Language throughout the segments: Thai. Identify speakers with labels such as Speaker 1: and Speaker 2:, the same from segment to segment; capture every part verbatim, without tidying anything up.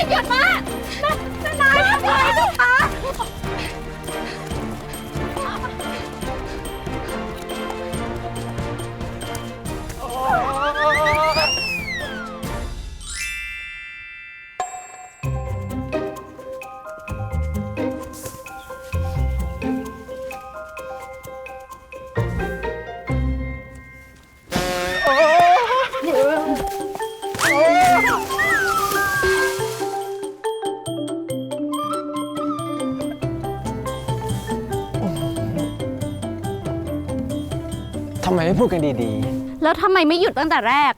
Speaker 1: หยุดมาแม่นายทำอะไรเจ้าคะ
Speaker 2: ทำไมไม่พูดกันดี
Speaker 1: แล้วทำไมไม่หยุดตั้งแต่แรก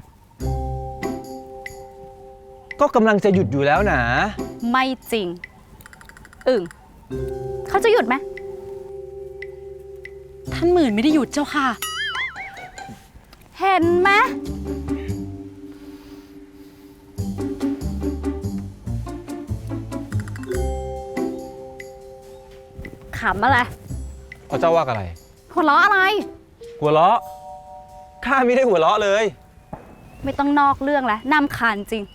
Speaker 2: ๆ ก็กำลังจะหยุดอยู่แล้วนะ
Speaker 1: ไม่จริง อึ่งเขาจะหยุดไหม
Speaker 3: ท่านหมื่นไม่ได้หยุดเจ้าค่ะ
Speaker 1: เห็นไหมขำอะไร
Speaker 2: พระเจ้าว่าอะไร
Speaker 1: หัวเราะอะไร
Speaker 2: หัวเราะ ข้าไม่ได้หัวเราะเลย
Speaker 1: ไม่ต้องนอกเรื่องแล้วนำคาญจริง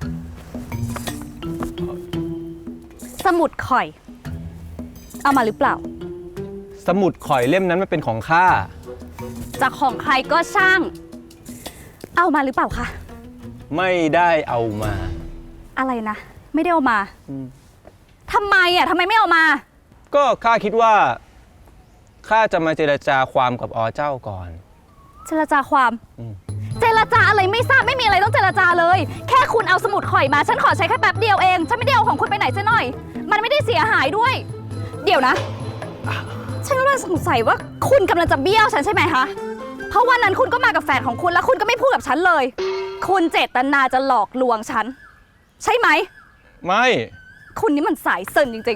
Speaker 1: สมุดข่อย เอามาหรือเปล่า
Speaker 2: สมุดข่อยเล่มนั้นมันเป็นของข้า
Speaker 1: จากของใครก็ช่าง เอามาหรือเปล่าคะ
Speaker 2: ไม่ได้เอามา
Speaker 1: อะไรนะ ไม่ได้เอามา
Speaker 2: อืม
Speaker 1: ทำไมอ่ะทำไมไม่เอามา
Speaker 2: ก็ข้าคิดว่า ข้าจะมาเจรจาความกับอเจ้าก่อน
Speaker 1: เจรจาความ
Speaker 2: อืม
Speaker 1: เจรจาอะไรไม่ทราบไม่มีอะไรต้องเจรจาเลย แค่คุณเอาสมุดข่อยมา ฉันขอใช้แค่แป๊บเดียวเอง ฉันไม่ได้เอาของคุณไปไหนซะหน่อย มันไม่ได้เสียหายด้วย เดี๋ยวนะ ฉันกำลังสงสัยว่าคุณกำลังจะเบี้ยวฉันใช่ไหมคะ เพราะวันนั้นคุณก็มากับแฟนของคุณแล้วคุณก็ไม่พูดกับฉันเลย คุณเจตนาจะหลอกลวงฉัน ใช่ไหม
Speaker 2: ไม่
Speaker 1: คุณนี่มันสายเซินจริง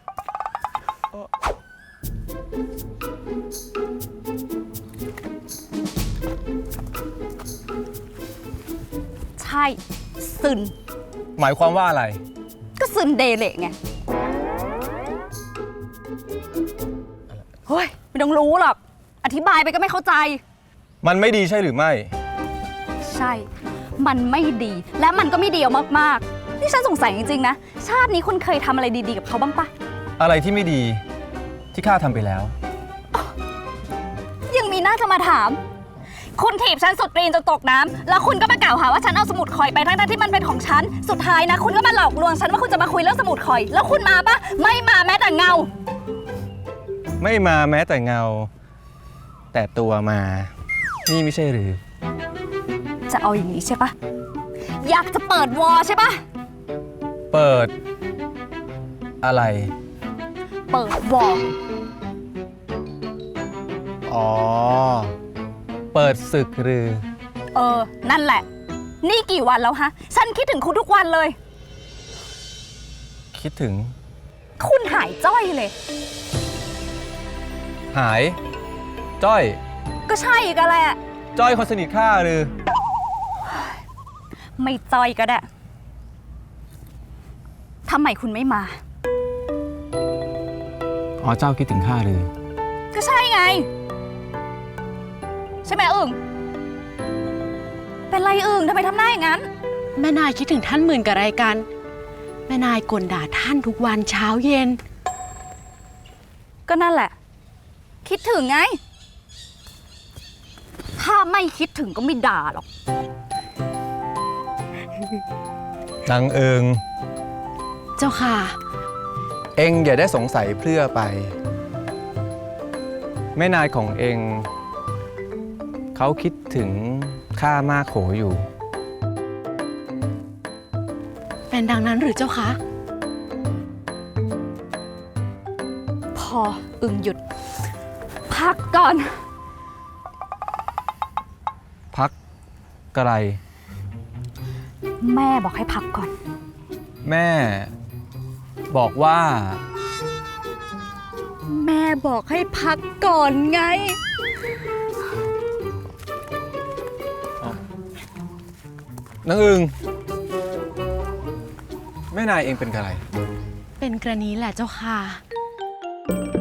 Speaker 1: ๆ ใช่ซึน
Speaker 2: หมายความว่าอะไร
Speaker 1: ก็ซึนเดเละไงเฮ้ยไม่ต้องรู้หรอก อธิบายไปก็ไม่เข้าใจ
Speaker 2: มันไม่ดีใช่หรือไม่
Speaker 1: ใช่ มันไม่ดีและมันก็ไม่ดีเอามากๆ นี่ฉันสงสัยจริงๆนะ ชาตินี้คุณเคยทำอะไรดีๆกับเขาบ้างปะ
Speaker 2: อะไรที่ไม่ดีที่ข้าทำไปแล้ว
Speaker 1: ยังมีหน้าจะมาถาม คุณถีบฉันสุดตีนจนตกน้ำแล้วคุณก็มากล่าวหาว่าฉันเอาสมุดข่อยไปทั้งๆที่มันเป็นของฉัน สุดท้ายนะ คุณก็มาหลอกลวงฉันว่าคุณจะมาคุยเรื่องสมุดข่อย แล้วคุณมาปะไม่มาแม้แต่เงา
Speaker 2: ไม่มาแม้แต่เงา แต่ตัวมา นี่ไม่ใช่หรือ
Speaker 1: จะเอาอย่างนี้ใช่ปะอยากจะเปิดวอใช่ปะ
Speaker 2: เปิด อะไร
Speaker 1: เปิดวอ
Speaker 2: อ๋อ เปิดศึกหรือ
Speaker 1: เออ นั่นแหละ นี่กี่วันแล้วฮะ ฉันคิดถึงคุณทุกวันเลย
Speaker 2: คิดถึง
Speaker 1: คุณหายจ้อยเลย
Speaker 2: หาย จ้อย
Speaker 1: ก็ใช่อีกันแหละ
Speaker 2: จ้อยคนสนิทข้าหรือ
Speaker 1: ไม่จ้อยก็ได้ทำไมคุณไม่มา
Speaker 2: อ๋อ เจ้าคิดถึงข้าหรือ
Speaker 1: ก็ใช่ไง ใช่ไหมอึ่งเป็นไรอึ่งทำไมทำหน้าอย่างนั้น
Speaker 3: แม่นายคิดถึงท่านหมื่นกับอะไรกัน แม่นายกลด่าท่านทุกวันเช้าเย็น
Speaker 1: ก็นั่นแหละ คิดถึงไง ถ้าไม่คิดถึงก็ไม่ด่าหรอก
Speaker 2: นางเอิง
Speaker 3: เจ้าค่ะ
Speaker 2: เองอย่าได้สงสัยเพลื่อไป แม่นายของเอง เขาคิดถึงข้ามากโขอยู่
Speaker 3: เป็นดังนั้นหรือเจ้าคะ
Speaker 1: พออึ่งหยุด พักก่อน
Speaker 2: พักไกล
Speaker 1: แม่บอกให้พักก่อน
Speaker 2: แม่ บอกว่า
Speaker 1: แม่บอกให้พักก่อนไง
Speaker 2: นางอึงแม่นายเองเป็นอะไร
Speaker 3: เป็นกรณีแหละเจ้าค่ะ